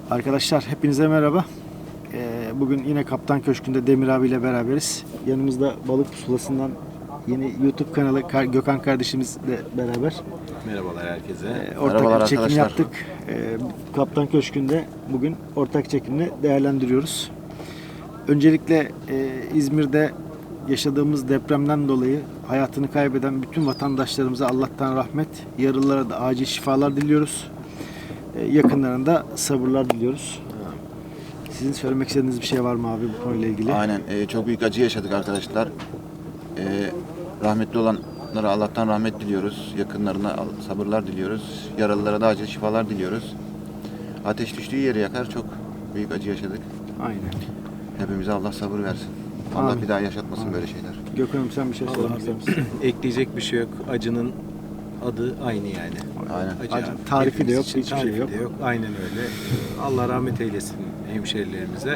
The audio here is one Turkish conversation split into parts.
Arkadaşlar hepinize merhaba. Bugün yine Kaptan Köşkü'nde Demir abiyle beraberiz. Yanımızda Balık Pusulası'ndan yeni YouTube kanalı Gökhan kardeşimizle beraber. Merhabalar herkese. Ortak Merhabalar bir çekim arkadaşlar. yaptık. Kaptan Köşkü'nde bugün ortak çekimle değerlendiriyoruz. Öncelikle İzmir'de yaşadığımız depremden dolayı hayatını kaybeden bütün vatandaşlarımıza Allah'tan rahmet, yaralılara da acil şifalar diliyoruz. Yakınlarında sabırlar diliyoruz. Sizin söylemek istediğiniz bir şey var mı abi bu konuyla ilgili? Aynen. Çok büyük acı yaşadık arkadaşlar. Rahmetli olanlara Allah'tan rahmet diliyoruz. Yakınlarına sabırlar diliyoruz. Yaralılara da acil şifalar diliyoruz. Ateş düştüğü yeri yakar. Çok büyük acı yaşadık. Aynen. Hepimize Allah sabır versin. Allah Amin. bir daha yaşatmasın Amin. böyle şeyler. Gökhan'ım sen bir şey söylemek ister misin? Ekleyecek bir şey yok. Acının adı aynı yani. Aynen. Acı tarifi de yok, Hepimiz için hiçbir şey tarifi de yok. Aynen öyle. Allah rahmet eylesin hemşerilerimize.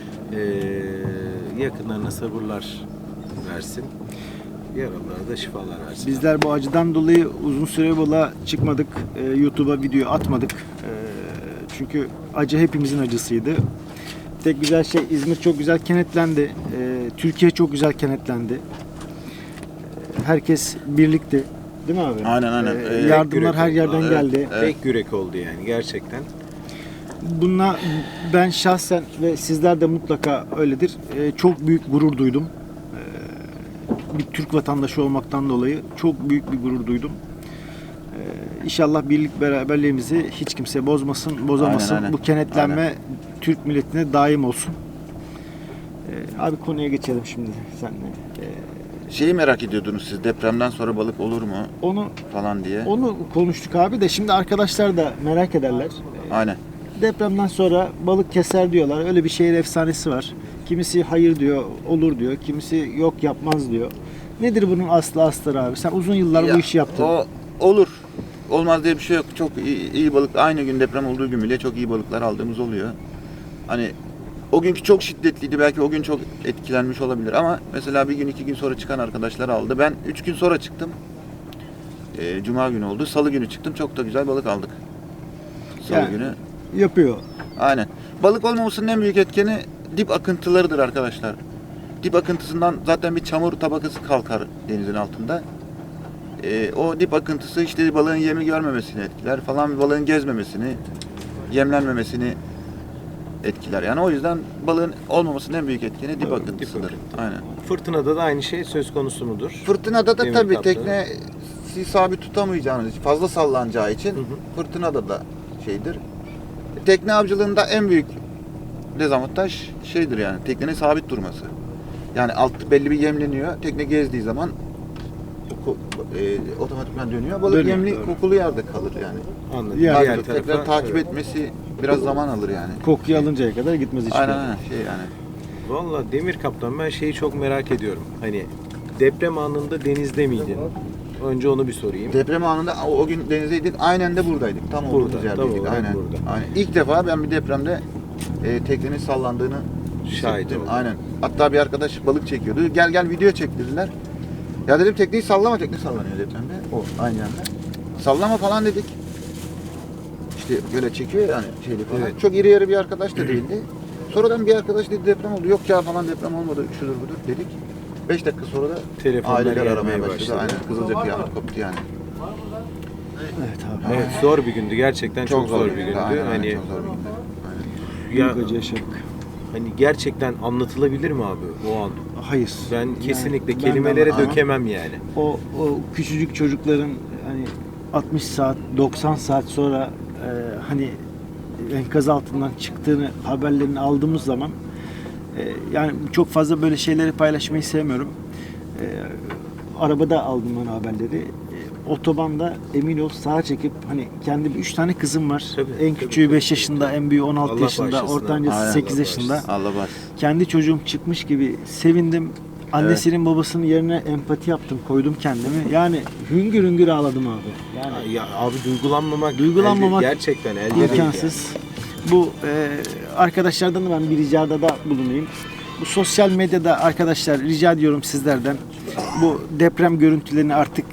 Yakınlarına sabırlar versin. Yaralılara da şifalar versin. Bizler bu acıdan dolayı uzun süre balığa çıkmadık. YouTube'a video atmadık. Çünkü acı hepimizin acısıydı. Tek güzel şey İzmir çok güzel kenetlendi. Türkiye çok güzel kenetlendi. Herkes birlikte. Değil mi abi? Aynen. Yardımlar her yerden Evet, geldi. evet. Tek yürek oldu yani gerçekten. Bununla ben şahsen ve sizler de mutlaka öyledir. Çok büyük gurur duydum. Bir Türk vatandaşı olmaktan dolayı çok büyük bir gurur duydum. İnşallah birlik beraberliğimizi hiç kimse bozamasın. Aynen. Bu kenetlenme Aynen. Türk milletine daim olsun. Abi konuya geçelim şimdi seninle. Şeyi merak ediyordunuz siz, depremden sonra balık olur mu Onu falan diye. konuştuk abi de şimdi arkadaşlar da merak ederler. Aynen. Depremden sonra balık keser diyorlar. Öyle bir şehir efsanesi var. Kimisi hayır diyor, olur diyor. Kimisi yok yapmaz diyor. Nedir bunun aslı abi? Sen uzun yıllar Ya, bu işi yaptın. O olur. Olmaz diye bir şey yok. Çok iyi balık. Aynı gün deprem olduğu gün bile çok iyi balıklar aldığımız oluyor. Hani o günkü çok şiddetliydi. Belki o gün çok etkilenmiş olabilir. Ama mesela bir gün 2 gün sonra çıkan arkadaşlar aldı. Ben 3 gün sonra çıktım. Cuma günü oldu. Salı günü çıktım. Çok da güzel balık aldık. Salı Yani- günü. Yapıyor. Aynen. Balık olmamasının en büyük etkeni dip akıntılarıdır arkadaşlar. Dip akıntısından zaten bir çamur tabakası kalkar denizin altında. O dip akıntısı işte balığın yemi görmemesini etkiler falan, balığın gezmemesini, yemlenmemesini etkiler. Yani o yüzden balığın olmamasının en büyük etkeni dip Doğru, dip akıntısıdır. akıntı. Aynen. Fırtınada da aynı şey söz konusu mudur? Fırtınada da Demir tabii kaplı. tekne sabit tutamayacağınız, fazla sallanacağı için fırtınada da şeydir. Tekne avcılığında en büyük dezavantaj şeydir yani teknenin sabit durması. Yani alt belli bir yemleniyor. Tekne gezdiği zaman otomatikman dönüyor. Balık Dönüyor, yemli doğru. kokulu yerde kalır yani. Anladım. Yani Diğer Tekrar tarafa, takip evet. etmesi biraz zaman alır yani. Kokuyu alıncaya kadar gitmez hiçbir Aynen yere. aynen şey yani. Vallahi Demir Kaptan ben şeyi çok merak ediyorum. Hani deprem anında denizde miydin? Önce onu bir sorayım. Deprem anında o gün denizdeydik. Aynen de buradaydık. Tam olduğumuz Burada, yerdeydik. tam olarak Aynen. burada. Aynen. İlk defa ben bir depremde teknenin sallandığını Şahit hissettim. oldum. Aynen. Hatta bir arkadaş balık çekiyordu. Gel video çek dediler. Ya dedim tekneyi sallama, tekne sallanıyor depremde. O aynı anda. Sallama falan dedik. İşte böyle çekiyor yani şeyli falan. Evet. Çok iri yarı bir arkadaş da değildi. Sonradan bir arkadaş dedi deprem oldu. Yok ya falan deprem olmadı. Şudur budur dedik. 5 dakika sonra da Telefonlar aileler gelmeye aramaya başladı. başladı. Aynen. Kızılca kıyamet koptu yani. Evet abi. Evet zor bir gündü gerçekten çok, zor bir gündü. Aynen, aynen, Hani çok zor bir gündü. Aynen. Büyük acı yaşadık. hani gerçekten anlatılabilir mi abi o an? Hayır. Ben kesinlikle ben de kelimelere ama- dökemem yani. O küçücük çocukların hani 60 saat 90 saat sonra hani enkaz altından çıktığını haberlerini aldığımız zaman yani çok fazla böyle şeyleri paylaşmayı sevmiyorum. Arabada aldım ben haberleri. Otobanda emin ol sağa çekip hani kendi 3 tane kızım var. Tabii, En tabii, küçüğü tabii. 5 yaşında, en büyüğü 16 Allah yaşında, bağışlasın ortancası abi. 8 Allah yaşında. bağışlasın. Allah var. Kendi çocuğum çıkmış gibi sevindim. Annesinin babasının yerine empati yaptım, koydum kendimi. Yani hüngür hüngür ağladım abi. Yani Ya abi duygulanmamak Duygulanmamak gerçekten elde değil imkansız. Bu arkadaşlardan da ben bir ricada da bulunayım. Bu sosyal medyada arkadaşlar rica ediyorum sizlerden bu deprem görüntülerini artık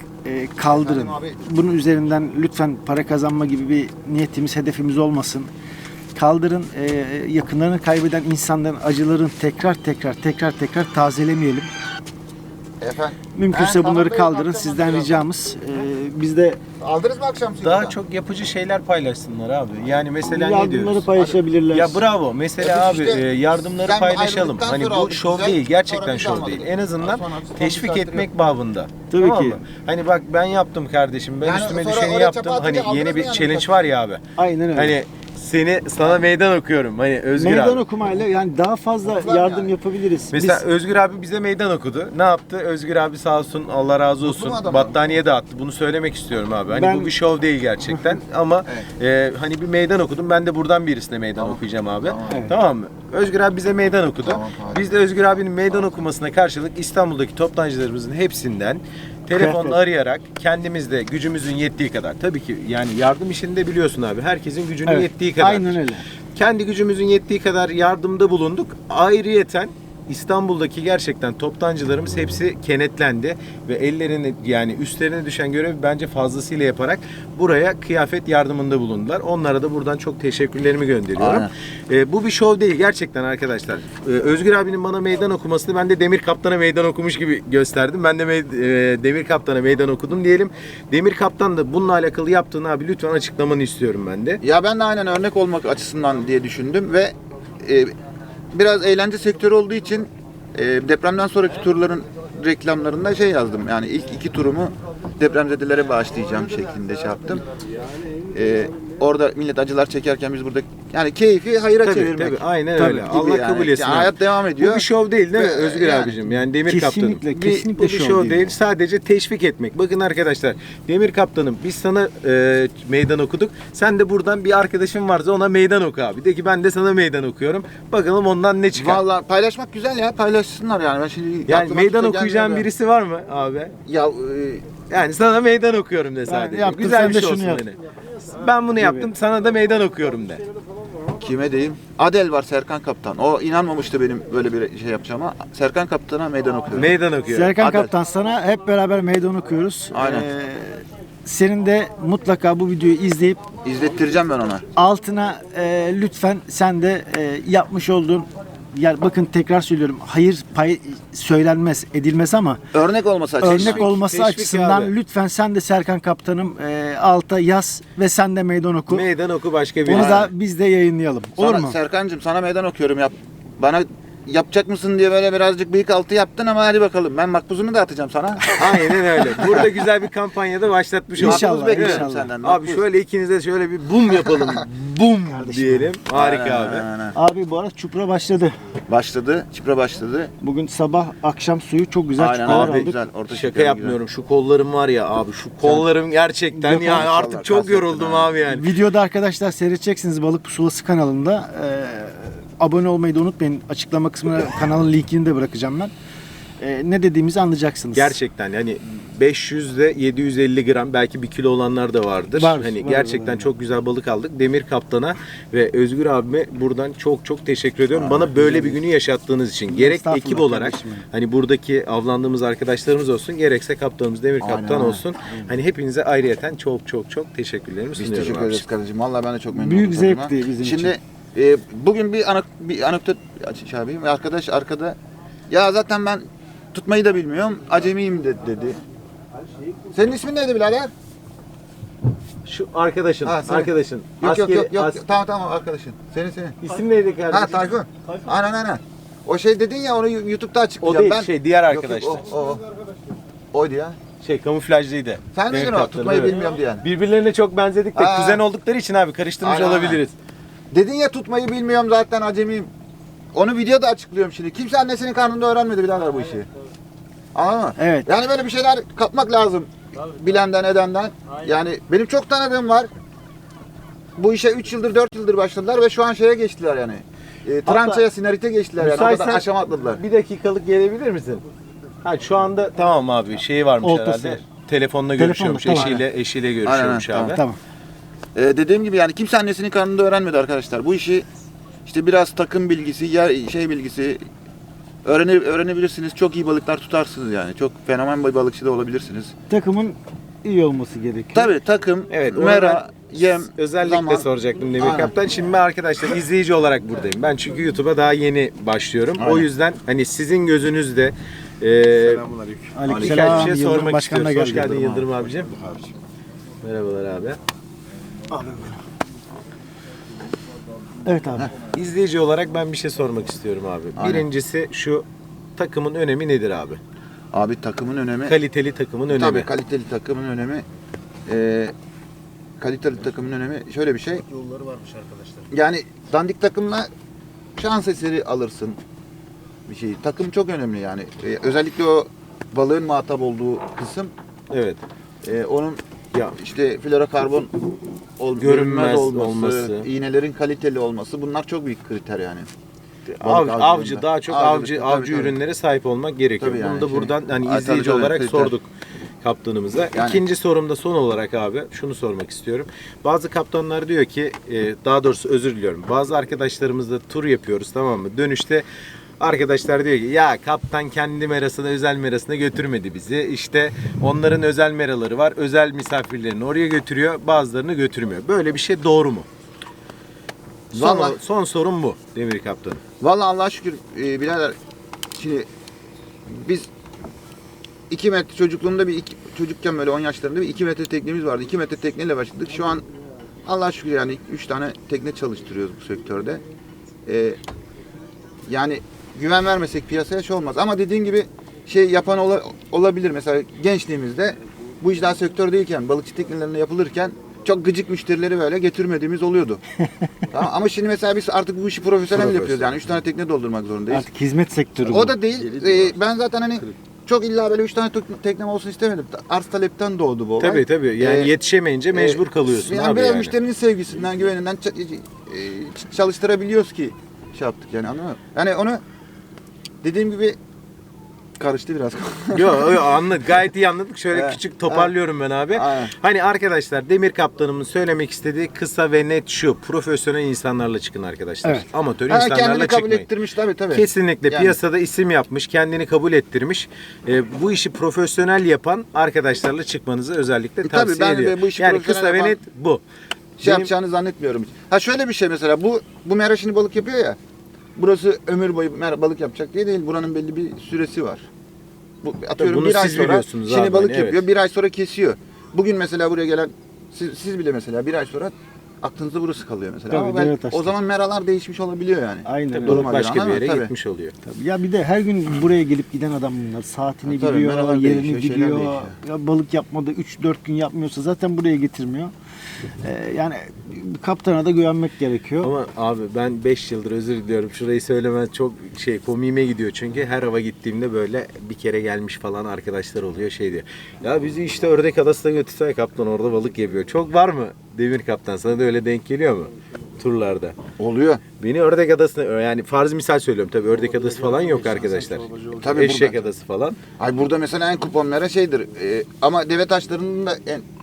kaldırın. Bunun üzerinden lütfen para kazanma gibi bir niyetimiz, hedefimiz olmasın. kaldırın. Yakınlarını kaybeden insanların acıların tekrar tazelemeyelim. Efendim. Mümkünse bunları kaldırın. Sizden ricamız. Biz de Aldınız mı akşam Daha çok yapıcı şeyler paylaşsınlar abi. Yani mesela ne yardımları diyoruz? paylaşabilirler. Ya bravo. Mesela Biz abi işte yardımları sen paylaşalım. ayrıldıktan Hani sonra bu aldık şov güzel, değil. sonra Gerçekten biz şov almadık. değil. En azından Sonra teşvik bir etmek babında. Tabii Tamam ki. mı? Hani bak ben yaptım kardeşim. Ben Yani üstüme sonra düşeni oraya yaptım. çapa Hani atınca yeni aldınız bir mı yani challenge birkaç? var ya abi. Aynen öyle. Hani sana meydan okuyorum. Hani Özgür Meydan abi. okumayla yani daha fazla yardım yani. yapabiliriz. Mesela Biz Özgür abi bize meydan okudu. Ne yaptı? Özgür abi sağ olsun, Allah razı olsun. mu adam? Battaniye dağıttı. Bunu söylemek istiyorum abi. Hani Ben- bu bir şov değil gerçekten ama hani bir meydan okudum. Ben de buradan birisine meydan okuyacağım abi. Tamam mı? Özgür abi bize meydan okudu. Tamam, harika. Biz de Özgür abinin meydan okumasına karşılık İstanbul'daki toptancılarımızın hepsinden telefonla Kıyafet. arayarak kendimiz de gücümüzün yettiği kadar. Tabii ki yani yardım işinde biliyorsun abi. Herkesin gücünün Evet, yettiği kadar. aynen öyle. Kendi gücümüzün yettiği kadar yardımda bulunduk. Ayrıyeten İstanbul'daki gerçekten toptancılarımız hepsi kenetlendi ve ellerini yani üstlerine düşen görevi bence fazlasıyla yaparak buraya kıyafet yardımında bulundular. Onlara da buradan çok teşekkürlerimi gönderiyorum. Bu bir şov değil gerçekten arkadaşlar. Özgür abinin bana meydan okumasını ben de Demir Kaptan'a meydan okumuş gibi gösterdim. Ben de Demir Kaptan'a meydan okudum diyelim. Demir Kaptan da bununla alakalı yaptığını abi lütfen açıklamanı istiyorum ben de. Ya ben de aynen örnek olmak açısından diye düşündüm ve biraz eğlence sektörü olduğu için depremden sonraki turların reklamlarında şey yazdım. Yani ilk 2 turumu depremzedelere bağışlayacağım şeklinde şey yaptım. Orada millet acılar çekerken biz burada yani keyfi hayıra çevirmek. Tabii, aynen Tabii, öyle. gibi Allah yani. kabul etsin. Yani abi. hayat devam ediyor. Bu bir şov değil mi Ve Özgür yani- abicim? Yani Demir Kesinlikle, Kaptanım. kesinlikle Bu bir şov şov değil. değil. Sadece teşvik etmek. Bakın arkadaşlar Demir Kaptanım biz sana meydan okuduk. Sen de buradan bir arkadaşın varsa ona meydan oku abi. De ki ben de sana meydan okuyorum. Bakalım ondan ne çıkar. Vallahi paylaşmak güzel ya, paylaşsınlar yani. Ben şimdi Yani aklıma meydan kimse okuyacağın gelmedi. birisi var mı abi? Ya Yani sana meydan okuyorum de sadece. yaptım, Güzel sen bir de şey şunu olsun yap. hani. Ben bunu yaptım sana da meydan okuyorum de. kime diyeyim? Adel var, Serkan Kaptan. O inanmamıştı benim böyle bir şey yapacağıma. Serkan Kaptan'a meydan okuyorum. Meydan okuyorum. Serkan Adel. Kaptan sana hep beraber meydan okuyoruz. Aynen. Senin de mutlaka bu videoyu izleyip İzlettireceğim ben ona. altına lütfen sen de yapmış olduğun yani bakın tekrar söylüyorum hayır pay söylenmez edilmez ama Örnek olması açısından. örnek olması teşvik açısından abi. lütfen sen de Serkan Kaptanım alta yaz ve sen de meydan oku. Meydan oku başka bir. Onu da biz de yayınlayalım. Olur Sana, mu? Serkancığım sana meydan okuyorum. Bana yapacak mısın diye böyle birazcık bıyık altı yaptın ama hadi bakalım. Ben makbuzunu da atacağım sana. Aynen öyle. Burada güzel bir kampanyada başlatmış olduk. İnşallah, Makbuz bekliyorum inşallah. senden. Abi makbuz. şöyle ikiniz de şöyle bir bum yapalım. Bum diyelim. Harika Aynen, abi. aynen. Abi bu arada çupra başladı. Başladı. Çipre başladı. Bugün sabah akşam suyu çok güzel Aynen çupralar abi aldık. güzel. Orta Şaka şeker yapmıyorum. Şu kollarım var ya abi. Şu kollarım gerçekten Yok, yani artık maşallah, çok kastettin yoruldum ha. abi yani. Videoda arkadaşlar seyredeceksiniz Balık Pusulası kanalında. Abone olmayı da unutmayın. Açıklama kısmına kanalın linkini de bırakacağım ben. Ne dediğimizi anlayacaksınız. Gerçekten yani 500 ile 750 gram belki 1 kilo olanlar da vardır. Var, hani var, gerçekten var. çok güzel balık aldık. Demir Kaptan'a ve Özgür abime buradan çok çok teşekkür ediyorum. Bana böyle bir günü yaşattığınız için. Gerek Estağfurullah ekip olarak kardeşim benim. hani buradaki avlandığımız arkadaşlarımız olsun, gerekse kaptanımız Demir Aynen, Kaptan aynen. olsun. Hani hepinize ayrıyeten çok çok çok teşekkürlerimi Biz sunuyorum. teşekkür abi. ederiz kardeşim. Vallahi ben de çok memnun Büyük oldum. zevkti bizim Şimdi bugün bir anekdot açayım. Arkadaş arkada ya zaten ben tutmayı da bilmiyorum. Acemiyim dedi. Senin ismin neydi birader? Şu arkadaşın, Ha, senin. arkadaşın. Yok yok yok yok. Askeri- Tamam arkadaşın. Senin. İsim neydi kardeşim? Ha Tayfun. Aynen. O şey dedin ya onu YouTube'da O açıklayacağım. değil, şey, diğer Yok, arkadaştı. o. Oydu ya. Şey kamuflajlıydı. Sen Demir miydin o? Kaptan'ın, Tutmayı evet. bilmiyorum diyen. Birbirlerine çok benzedik de Aa. kuzen oldukları için abi karıştırmış Aynen, olabiliriz. Dedin ya tutmayı bilmiyorum zaten acemiyim. Onu videoda açıklıyorum şimdi. Kimse annesinin karnında öğrenmedi birader bu işi. Anladın mı? Evet. Yani böyle bir şeyler kapmak lazım. Bilenden edenden. Yani benim çok tanıdığım var. Bu işe 3 yıldır 4 yıldır başladılar ve şu an şeye geçtiler yani. Trançaya, sinarite geçtiler yani. O kadar Müsaitsen aşama atladılar. bir dakikalık gelebilir misin? Ha şu anda tamam abi şeyi varmış Oltası herhalde. var. Telefonla görüşüyormuş. tamam. Eşiyle görüşüyormuş Aynen, abi. Tamam. Dediğim gibi yani kimse annesinin karnında öğrenmedi arkadaşlar. Bu işi işte biraz takım bilgisi, şey bilgisi öğrenebilirsiniz. Çok iyi balıklar tutarsınız yani. Çok fenomen bir balıkçı da olabilirsiniz. Takımın iyi olması gerekiyor. Tabii takım, Evet, ona mera, yem, Özellikle zaman. soracaktım Demir Aynen. Kaptan. Şimdi ben arkadaşlar izleyici olarak buradayım. Ben çünkü YouTube'a daha yeni başlıyorum. O Aynen. yüzden hani sizin gözünüzde birkaç bir şey Yıldırım sormak Başkan da istiyoruz. Hoş geldi. geldin Yıldırım abicim. Merhabalar abi. Evet abi. İzleyici olarak ben bir şey sormak istiyorum abi. Aynen. Birincisi şu takımın önemi nedir abi? Abi takımın önemi. Kaliteli takımın önemi. Tabii kaliteli takımın önemi. Kaliteli takımın önemi şöyle bir şey. Yolları varmış arkadaşlar. Yani dandik takımla şans eseri alırsın bir şey. Takım çok önemli yani. Özellikle o balığın muhatap olduğu kısım. Evet. Onun Ya işte florokarbon görünmez Görünmez olması, olması. iğnelerin kaliteli olması bunlar çok büyük kriter yani. avcı avcılığında. daha çok Avcılıkta, avcı tabii. ürünlere sahip olmak gerekiyor. Tabii yani Bunu da şey- buradan hani Ay, izleyici tabii, tabii, olarak kriter. sorduk kaptanımıza. Yani- İkinci sorumda son olarak abi şunu sormak istiyorum. Bazı kaptanlar diyor ki daha doğrusu özür diliyorum. Bazı arkadaşlarımızla tur yapıyoruz, tamam mı? Dönüşte arkadaşlar diyor ki ya kaptan kendi merasına, özel merasına götürmedi bizi. İşte onların özel meraları var. Özel misafirlerini oraya götürüyor. Bazılarını götürmüyor. Böyle bir şey doğru mu? Vallahi- Son sorum bu Demir Kaptanım. Vallahi Allah'a şükür birader şimdi biz 2 metre çocukluğumda çocukken böyle 10 yaşlarında bir 2 metre teknemiz vardı. 2 metre tekneyle başladık. Şu an Allah'a şükür yani 3 tane tekne çalıştırıyoruz bu sektörde. Yani güven vermesek piyasaya şey olmaz. Ama dediğin gibi şey yapan olabilir. Mesela gençliğimizde bu iş daha sektör değilken balıkçı teknelerinde yapılırken çok gıcık müşterileri böyle getirmediğimiz oluyordu. Tamam, ama şimdi mesela biz artık bu işi profesyonel yapıyoruz. Yani 3 tane tekne doldurmak zorundayız. Artık hizmet sektörü bu. O da değil. Ben zaten hani çok illa böyle 3 tane teknem olsun istemedim. Arz talepten doğdu bu olay. Tabii yani Ee, yetişemeyince mecbur kalıyorsun yani abi biraz yani. müşterinin sevgisinden, güveninden çalıştırabiliyoruz ki şey yaptık yani, anladın mı? Yani onu dediğim gibi karıştı biraz. Yo anladık, gayet iyi anladık. Şöyle Evet. küçük toparlıyorum ben abi. Aynen. Hani arkadaşlar Demir Kaptanımın söylemek istediği kısa ve net şu: profesyonel insanlarla çıkın arkadaşlar. Evet. Amatör Ha, insanlarla kendini kabul çıkmayın. ettirmiş tabii. Kesinlikle Yani. piyasada isim yapmış, kendini kabul ettirmiş. Bu işi profesyonel yapan arkadaşlarla çıkmanızı özellikle Tabii, tavsiye ben de ediyorum. bu işi Yani profesyonel kısa ve yapan- net bu. Şey Benim- yapacağını zannetmiyorum hiç. Ha şöyle bir şey mesela, bu mera şimdi balık yapıyor ya. Burası ömür boyu balık yapacak diye değil. Buranın belli bir süresi var. Bu atıyorum bunu bir ay siz sonra biliyorsunuz şimdi abi, balık hani, yapıyor. evet. Bir ay sonra kesiyor. Bugün mesela buraya gelen siz bile mesela bir ay sonra aklınızda burası kalıyor mesela. Tabii, Ama ben, evet, o zaman meralar değişmiş olabiliyor yani. Aynen Tabii öyle. balık Duruma başka göre, bir yere tabii. gitmiş oluyor. Tabii. Ya bir de her gün buraya gelip giden adam bunlar. Saatini Tabii, biliyor, meralar yerini değişiyor, şeyler biliyor. değişiyor. Ya balık yapmadı 3-4 gün yapmıyorsa zaten buraya getirmiyor. Yani kaptana da güvenmek gerekiyor. Ama abi ben 5 yıldır, özür diliyorum, şurayı söylemem çok komiğime gidiyor. Çünkü her hava gittiğimde böyle bir kere gelmiş falan arkadaşlar oluyor, şey diyor. Ya bizi işte Ördek Adası'na götürsene kaptan, orada balık yapıyor. Çok var mı Demir Kaptan? Sana da öyle denk geliyor mu turlarda? Oluyor. Beni Ördek Adası'na, yani farz misal söylüyorum tabii, Ördek Adası falan yok arkadaşlar. Tabii Eşek burada. Adası falan. Ay burada mesela en kupon mera şeydir. Ama deve taşlarının da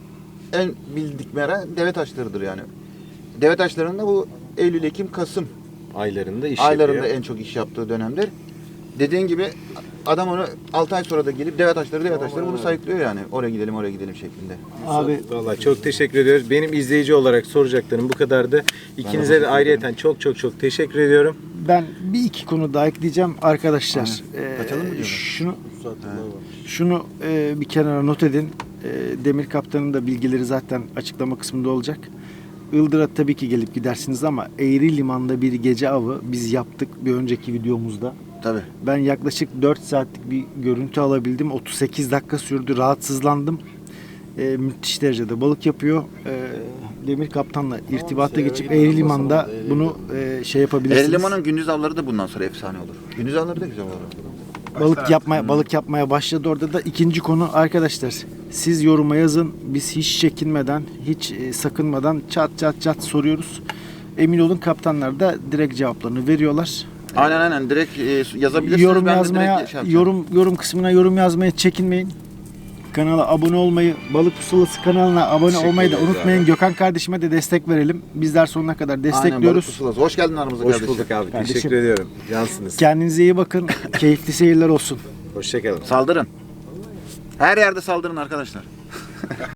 en bildik mera deve taşlarıdır yani. Deve taşlarında bu Eylül, Ekim, Kasım Aylarında iş aylarında yapıyor. en çok iş yaptığı dönemdir. Dediğin gibi adam onu 6 ay sonra da gelip deve taşları bunu sayıklıyor yani. Oraya gidelim şeklinde. Abi Vallahi çok teşekkür ediyoruz. Benim izleyici olarak soracaklarım bu kadardı. İkinize de ayrıyeten çok teşekkür ediyorum. ben bir iki konu daha ekleyeceğim arkadaşlar. Kaçalım mı diyorsun? Şunu bir kenara not edin. Demir Kaptan'ın da bilgileri zaten açıklama kısmında olacak. Ildır'a tabii ki gelip gidersiniz ama Eğri Liman'da bir gece avı biz yaptık bir önceki videomuzda. Tabii. Ben yaklaşık 4 saatlik bir görüntü alabildim. 38 dakika sürdü. Rahatsızlandım. Müthiş derecede balık yapıyor. Demir Kaptan'la irtibata geçip Eğri Liman'da bunu yapabilirsiniz. Erliman'ın gündüz avları da bundan sonra efsane olur. Gündüz avları da güzel olur. Balık yapmaya başladı orada da. İkinci konu arkadaşlar. Siz yoruma yazın. Biz hiç çekinmeden, hiç sakınmadan çat soruyoruz. Emin olun kaptanlar da direkt cevaplarını veriyorlar. Aynen direkt yazabilirsiniz. Yorum Ben de yazmaya, direkt şey yapacağım. yorum kısmına yorum yazmaya çekinmeyin. Kanala abone olmayı, Balık Pusulası kanalına abone Teşekkür olmayı da ederiz unutmayın. abi. Gökhan kardeşime de destek verelim. Bizler sonuna kadar Aynen, balık destekliyoruz. pusulası. Hoş geldin aramıza Hoş kardeşim. bulduk abi. Kardeşim. Teşekkür ediyorum. Cansınız. Kendinize iyi bakın. Keyifli seyirler olsun. Hoşçakalın. Saldırın. Her yerde saldırın arkadaşlar.